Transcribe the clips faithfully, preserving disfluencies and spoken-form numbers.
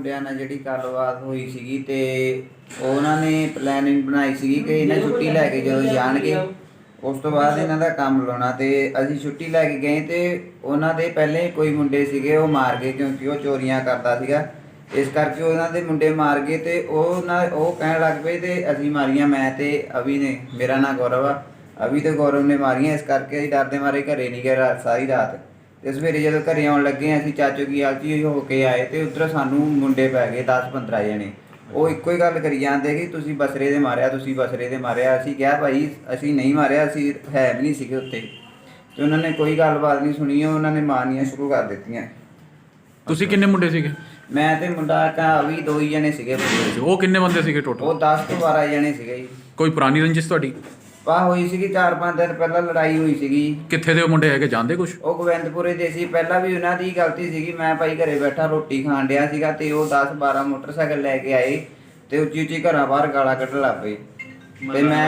ਮੁੰਡਿਆਂ ਨਾਲ ਜਿਹੜੀ ਗੱਲਬਾਤ ਹੋਈ ਸੀਗੀ ਤੇ ਉਹਨਾਂ ਨੇ ਪਲੈਨਿੰਗ ਬਣਾਈ ਸੀਗੀ ਕਿ ਇਹਨਾਂ ਛੁੱਟੀ ਲੈ ਕੇ ਜਦੋਂ ਜਾਣਗੇ ਉਸ ਤੋਂ ਬਾਅਦ ਇਹਨਾਂ ਦਾ ਕੰਮ ਲਾਉਣਾ। ਤੇ ਅਸੀਂ ਛੁੱਟੀ ਲੈ ਕੇ ਗਏ ਤੇ ਉਹਨਾਂ ਦੇ ਪਹਿਲੇ ਕੋਈ ਮੁੰਡੇ ਸੀਗੇ ਉਹ ਮਾਰ ਗਏ, ਕਿਉਂਕਿ ਉਹ ਚੋਰੀਆਂ ਕਰਦਾ ਸੀਗਾ। ਇਸ ਕਰਕੇ ਉਹਨਾਂ ਦੇ ਮੁੰਡੇ ਮਾਰ ਗਏ ਤੇ ਉਹ ਨਾ ਉਹ ਕਹਿਣ ਲੱਗ ਪਏ ਤੇ ਅਸੀਂ ਮਾਰੀਆਂ, ਮੈਂ ਤੇ ਅਵੀ ਨੇ, ਮੇਰਾ ਨਾਂ ਗੌਰਵ ਆ, ਅਵੀ ਤੇ ਗੌਰਵ ਨੇ ਮਾਰੀਆਂ। ਇਸ ਕਰਕੇ ਅਸੀਂ ਡਰਦੇ ਮਾਰੇ ਘਰੇ ਨਹੀਂ ਗਏ ਰਾਤ ਸਾਰੀ ਰਾਤ। ਤੇ ਸਵੇਰੇ ਜਦੋਂ ਘਰੇ ਆਉਣ ਲੱਗੇ ਅਸੀਂ ਚਾਚੋ ਕੀ ਆਲਚੀ ਹੋ ਕੇ ਆਏ ਤੇ ਉੱਧਰ ਸਾਨੂੰ ਮੁੰਡੇ ਪੈ ਗਏ ਦਸ ਪੰਦਰਾਂ ਜਣੇ। ਉਹ ਇੱਕੋ ਹੀ ਗੱਲ ਕਰੀ ਜਾਂਦੇ ਕਿ ਤੁਸੀਂ ਬਸਰੇ ਦੇ ਮਾਰਿਆ, ਤੁਸੀਂ ਬਸਰੇ ਦੇ ਮਾਰਿਆ। ਅਸੀਂ ਕਿਹਾ ਭਾਈ ਅਸੀਂ ਨਹੀਂ ਮਾਰਿਆ, ਅਸੀਂ ਹੈ ਵੀ ਨਹੀਂ ਸੀਗੇ ਉੱਥੇ। ਤੇ ਉਹਨਾਂ ਨੇ ਕੋਈ ਗੱਲਬਾਤ ਨਹੀਂ ਸੁਣੀ, ਉਹਨਾਂ ਨੇ ਮਾਰਨੀਆਂ ਸ਼ੁਰੂ ਕਰ ਦਿੱਤੀਆਂ। ਤੁਸੀਂ ਕਿੰਨੇ ਮੁੰਡੇ ਸੀਗੇ? ਮੈਂ ਤੇ ਮੁੰਡਾ ਕਾ ਵੀ ਦੋ ਹੀ ਜਣੇ ਸੀਗੇ। ਉਹ ਕਿੰਨੇ ਬੰਦੇ ਸੀਗੇ ਟੋਟਲ? ਉਹ ਦਸ ਤੋਂ ਬਾਰਾਂ ਜਣੇ ਸੀਗੇ ਜੀ। ਕੋਈ ਪੁਰਾਣੀ ਰੰਜਿਸ਼ ਤੁਹਾਡੀ? ਵਾਹ ਹੋਈ ਸੀਗੀ, ਚਾਰ ਪੰਜ ਦਿਨ ਪਹਿਲਾਂ ਲੜਾਈ ਹੋਈ ਸੀਗੀ। ਕਿੱਥੇ ਦੇ ਉਹ ਮੁੰਡੇ ਹੈਗੇ, ਜਾਣਦੇ ਕੁਛ? ਉਹ ਗੋਬਿੰਦਪੁਰੇ ਦੇ ਸੀ। ਪਹਿਲਾਂ ਵੀ ਉਹਨਾਂ ਦੀ ਗਲਤੀ ਸੀਗੀ, ਮੈਂ ਭਾਈ ਘਰੇ ਬੈਠਾ ਰੋਟੀ ਖਾਣ ਡਿਆ ਸੀਗਾ ਤੇ ਉਹ ਦਸ ਬਾਰਾਂ ਮੋਟਰਸਾਈਕਲ ਲੈ ਕੇ ਆਏ ਤੇ ਉੱਚੀ ਉੱਚੀ ਘਰਾਂ ਬਾਹਰ ਗਾਲਾਂ ਕੱਢਣ ਲੱਗ ਪਏ। ਤੇ ਮੈਂ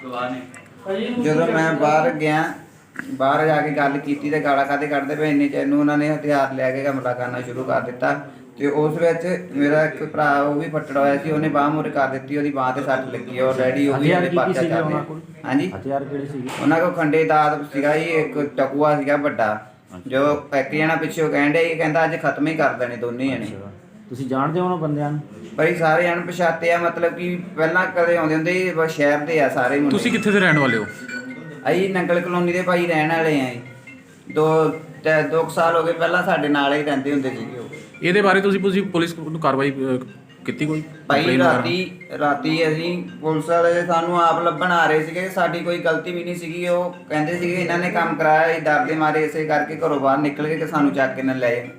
ਜਦੋਂ ਮੈਂ ਬਾਹਰ ਗਿਆ, ਬਾਹਰ ਜਾ ਕੇ ਗੱਲ ਕੀਤੀ ਤੇ ਗਾਲਾਂ ਕਾਹਦੇ ਕੱਢਦੇ ਪਏ, ਇੰਨੇ ਚ ਇਹਨੂੰ ਉਹਨਾਂ ਨੇ ਹਥਿਆਰ ਲੈ ਕੇ ਹਮਲਾ ਕਰਨਾ ਸ਼ੁਰੂ ਕਰ ਦਿੱਤਾ। ਤੇ ਉਸ ਵਿੱਚ ਮੇਰਾ ਇੱਕ ਭਰਾ ਉਹ ਵੀ ਫੱਟੜ ਹੋਇਆ ਸੀ, ਉਹਨੇ ਬਾਂਹ ਮੁਰੇ ਕਰ ਦਿੱਤੀ, ਉਹਦੀ ਬਾਂਹ ਤੇ ਸੱਟ ਲੱਗੀ। ਉਹ ਡੈਡੀ ਉਹ ਵੀ ਉਹਦੇ ਪਰਚਾ ਚੱਲਦੇ। ਹਾਂਜੀ, ਹਥਿਆਰ ਕਿਹੜੇ ਸੀਗੇ ਉਹਨਾਂ ਕੋਲ ਖੰਡੇ ਦਾਤ ਸੀਗਾ ਜੀ, ਇੱਕ ਟਕੂਆ ਸੀਗਾ ਵੱਡਾ, ਜੋ ਇੱਕ ਜਣਾ ਪਿੱਛੋਂ ਕਹਿਣ ਡਿਆ ਇਹ ਕਹਿੰਦਾ ਅੱਜ ਖਤਮ ਹੀ ਕਰ ਦੇਣੇ ਦੋਨੇ ਜਣੇ। ਤੁਸੀਂ ਜਾਣਦੇ ਹੋ ਉਹਨਾਂ ਬੰਦਿਆਂ ਨੂੰ? ਬਈ ਸਾਰੇ ਅਣਪਛਾਤੇ ਆ, ਮਤਲਬ ਕਿ ਪਹਿਲਾਂ ਕਦੇ ਆਉਂਦੇ ਹੁੰਦੇ ਬਸ ਸ਼ਹਿਰ ਦੇ ਆ ਸਾਰੇ ਮੁੰਡੇ। ਤੁਸੀਂ ਕਿੱਥੇ ਦੇ ਰਹਿਣ ਵਾਲੇ ਹੋ? ਅਸੀਂ ਨੰਗਲ ਕਲੋਨੀ ਦੇ ਭਾਈ ਰਹਿਣ ਵਾਲੇ ਆ ਜੀ। ਦੋ ਦੋ ਕੁ ਸਾਲ ਹੋ ਗਏ, ਪਹਿਲਾਂ ਸਾਡੇ ਨਾਲ ਹੀ ਰਹਿੰਦੇ ਹੁੰਦੇ ਸੀਗੇ ਉਹ। ਇਹਦੇ ਬਾਰੇ ਤੁਸੀਂ ਤੁਸੀਂ ਪੁਲਿਸ ਨੂੰ ਕਾਰਵਾਈ ਅਹ, ਕੀਤੀ ਕੋਈ? ਭਾਈ Complaint ਵਗੈਰਾ? ਰਾਤੀ ਰਾਤੀ ਅਸੀਂ ਪੁਲਿਸ ਵਾਲੇ ਸਾਨੂੰ ਆਪ ਲੱਭਣ ਆ ਰਹੇ ਸੀਗੇ, ਸਾਡੀ ਕੋਈ ਗਲਤੀ ਵੀ ਨਹੀਂ ਸੀਗੀ। ਉਹ ਕਹਿੰਦੇ ਸੀਗੇ ਇਹਨਾਂ ਨੇ ਕੰਮ ਕਰਾਇਆ, ਅਸੀਂ ਡਰਦੇ ਮਾਰੇ ਇਸੇ ਕਰਕੇ ਘਰੋਂ ਬਾਹਰ ਨਿਕਲ ਕੇ ਕਿ ਸਾਨੂੰ ਚੱਕ ਕੇ ਨਾ ਲੈ ਜਾਣ।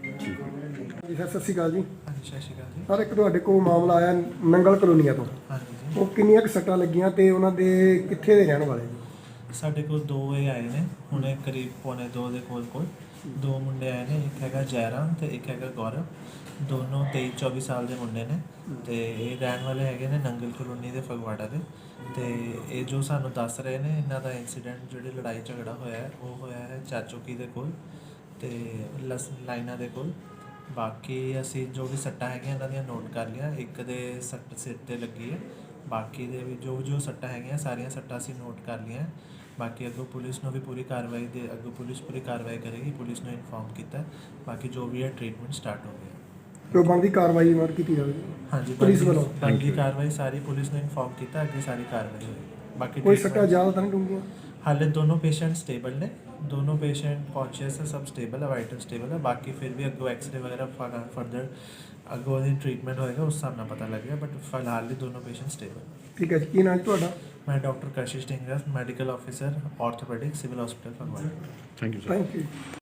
ਜੀ ਸਰ, ਸਤਿ ਸ਼੍ਰੀ ਅਕਾਲ ਜੀ। ਹਾਂਜੀ, ਸਤਿ ਸ਼੍ਰੀ ਅਕਾਲ ਜੀ। ਸਰ, ਇੱਕ ਤੁਹਾਡੇ ਕੋਲ ਮਾਮਲਾ ਆਇਆ ਨੰਗਲ ਕਲੋਨੀਆ ਤੋਂ। ਹਾਂਜੀ ਜੀ, ਉਹ ਕਿੰਨੀਆਂ ਕੁ ਸੱਟਾਂ ਲੱਗੀਆਂ ਤੇ ਉਹਨਾਂ ਦੇ ਕਿੱਥੇ ਦੇ ਰਹਿਣ ਵਾਲੇ ਜੀ? ਸਾਡੇ ਕੋਲ ਦੋ ਇਹ ਆਏ ਨੇ ਹੁਣੇ ਕਰੀਬ ਪੌਣੇ ਦੋ ਦੇ ਕੋਲ ਕੋਲ ਦੋ ਮੁੰਡੇ ਆਏ ਨੇ। ਇੱਕ ਹੈਗਾ ਜੈਰਾਮ ਤੇ ਇੱਕ ਹੈਗਾ ਗੌਰਵ। ਦੋਨੋਂ ਤੇਈ ਚੌਵੀ ਸਾਲ ਦੇ ਮੁੰਡੇ ਨੇ ਤੇ ਇਹ ਰਹਿਣ ਵਾਲੇ ਹੈਗੇ ਨੇ ਨੰਗਲ ਕਲੋਨੀ ਦੇ ਫਗਵਾੜਾ ਦੇ। ਤੇ ਇਹ ਜੋ ਸਾਨੂੰ ਦੱਸ ਰਹੇ ਨੇ ਇਹਨਾਂ ਦਾ ਇਨਸੀਡੈਂਟ ਜਿਹੜੀ ਲੜਾਈ ਝਗੜਾ ਹੋਇਆ ਹੈ ਉਹ ਹੋਇਆ ਹੈ ਚਾਚੋਕੀ ਦੇ ਕੋਲ ਤੇ ਲਸ ਲਾਈਨਾਂ ਦੇ ਕੋਲ। ਬਾਕੀ ਅਸੀਂ ਜੋ ਵੀ ਸੱਟਾਂ ਹੈਗੀਆਂ ਇਹਨਾਂ ਦੀਆਂ ਨੋਟ ਕਰ ਲਿਆ। ਇੱਕ ਦੇ ਸੱਟ ਸਿਰ 'ਤੇ ਲੱਗੀ ਹੈ, ਬਾਕੀ ਦੇ ਵੀ ਜੋ ਜੋ ਸੱਟਾਂ ਹੈਗੀਆਂ ਸਾਰੀਆਂ ਸੱਟਾਂ ਅਸੀਂ ਨੋਟ ਕਰ ਲਈਆਂ। ਬਾਕੀ ਅੱਗੋਂ ਪੁਲਿਸ ਨੂੰ ਵੀ ਪੂਰੀ ਕਾਰਵਾਈ ਦੇ ਅੱਗੋਂ ਪੁਲਿਸ ਪੂਰੀ ਕਾਰਵਾਈ ਕਰੇਗੀ, ਪੁਲਿਸ ਨੂੰ ਇਨਫੋਰਮ ਕੀਤਾ। ਬਾਕੀ ਜੋ ਵੀ ਹੈ ਟ੍ਰੀਟਮੈਂਟ ਸਟਾਰਟ ਹੋ ਗਿਆ। ਜੋ ਬਣਦੀ ਕਾਰਵਾਈ ਮਾਰ ਕੀਤੀ ਜਾਵੇ ਹਾਂਜੀ, ਪੁਲਿਸ ਵੱਲੋਂ। ਬਣਦੀ ਕਾਰਵਾਈ ਸਾਰੀ ਪੁਲਿਸ ਨੂੰ ਇਨਫੋਰਮ ਕੀਤਾ, ਅੱਗੇ ਸਾਰੀ ਕਾਰਵਾਈ ਹੋਏਗੀ। ਬਾਕੀ ਕੋਈ treatment- ਸੱਟਾਂ ਜ਼ਿਆਦਾ ਤਾਂ ਨਹੀਂ ਡੂੰਘੀਆਂ? ਹਾਲੇ ਦੋਨੋਂ ਪੇਸ਼ੈਂਟ ਸਟੇਬਲ ਨੇ, ਦੋਨੋਂ ਪੇਸ਼ੈਂਟ ਕੌਨਸ਼ੀਅਸ ਹੈ, ਸਭ ਸਟੇਬਲ ਹੈ, ਵਾਈਟਲ ਸਟੇਬਲ ਹੈ। ਬਾਕੀ ਫਿਰ ਵੀ ਅੱਗੋਂ ਐਕਸਰੇ ਵਗੈਰਾ ਫਰਦਰ ਅੱਗੋਂ ਦੀ ਟ੍ਰੀਟਮੈਂਟ ਹੋਏਗਾ, ਉਸ ਹਿਸਾਬ ਨਾਲ ਪਤਾ ਲੱਗੇਗਾ। ਬਟ ਫਿਲਹਾਲ ਲਈ ਦੋਨੋਂ ਪੇਸ਼ੈਂਟ ਸਟੇਬਲ। ਠੀਕ ਹੈ ਜੀ, ਕੀ ਨਾਮ ਜੀ ਤੁਹਾਡਾ? ਮੈਂ doctor Kashish Dhingra, medical officer, orthopaedic, civil hospital Phagwara. Thank you sir. Thank you.